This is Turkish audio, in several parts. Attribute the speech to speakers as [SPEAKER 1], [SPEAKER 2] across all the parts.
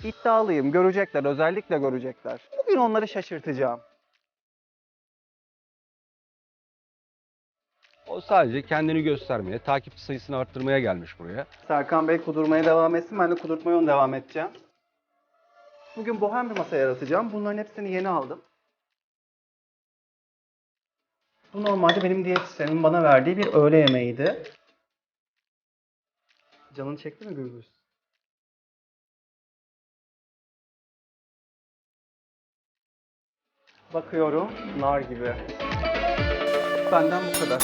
[SPEAKER 1] İddialıyım. Görecekler, özellikle görecekler. Bugün onları şaşırtacağım.
[SPEAKER 2] O sadece kendini göstermeye, takipçi sayısını arttırmaya gelmiş buraya.
[SPEAKER 1] Serkan Bey kudurmaya devam etsin. Ben de kudurtmaya onu devam edeceğim. Bugün bohem bir masa yaratacağım. Bunların hepsini yeni aldım. Bu normalde benim diyetisyenimin bana verdiği bir öğle yemeğiydi. Canını çekti mi Gürbüz? Bakıyorum, nar gibi. Benden bu kadar.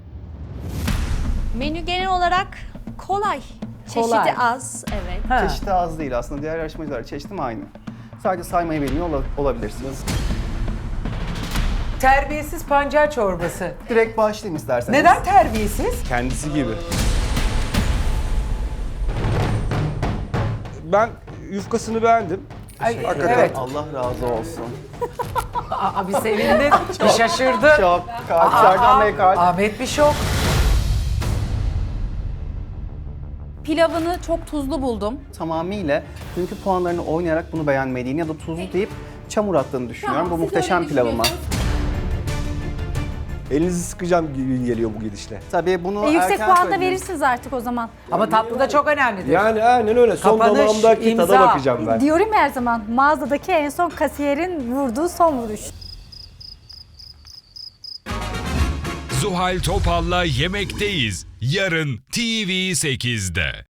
[SPEAKER 3] Menü genel olarak kolay.
[SPEAKER 4] Kolay.
[SPEAKER 3] Çeşidi az, evet.
[SPEAKER 4] Ha.
[SPEAKER 1] Çeşidi az değil aslında. Diğer yarışmacılar çeşidim aynı. Sadece saymayı bilmiyor olabilirsiniz.
[SPEAKER 4] Terbiyesiz pancar çorbası.
[SPEAKER 1] Direkt başlayayım isterseniz.
[SPEAKER 4] Neden terbiyesiz?
[SPEAKER 2] Kendisi gibi. Ben yufkasını beğendim.
[SPEAKER 4] Ay,
[SPEAKER 1] Hakikaten
[SPEAKER 4] evet.
[SPEAKER 1] Allah razı olsun.
[SPEAKER 4] Aa, bir sevindi, bir şaşırdı.
[SPEAKER 1] Çok kalp, Serkan Bey kalp.
[SPEAKER 4] Ahmet bir şok.
[SPEAKER 3] Pilavını çok tuzlu buldum.
[SPEAKER 1] Tamamıyla dünkü puanlarını oynayarak bunu beğenmediğini ya da tuzlu deyip çamur attığını düşünüyorum. Bu muhteşem pilavıma.
[SPEAKER 2] Elinizi sıkacağım gibi geliyor bu gidişle.
[SPEAKER 1] Tabii bunu
[SPEAKER 5] Yüksek
[SPEAKER 1] erken
[SPEAKER 5] puan da
[SPEAKER 1] söyledim.
[SPEAKER 5] verirsiniz artık o zaman.
[SPEAKER 4] Ama tatlı da çok önemlidir.
[SPEAKER 2] Yani aynen öyle. Son
[SPEAKER 4] Kapanış,
[SPEAKER 2] damağımdaki
[SPEAKER 4] imza.
[SPEAKER 2] tada bakacağım ben.
[SPEAKER 5] Diyorum ya her zaman mağazadaki en son kasiyerin vurduğu son vuruş.
[SPEAKER 6] Zuhal Topal'la Yemekteyiz. Yarın TV8'de.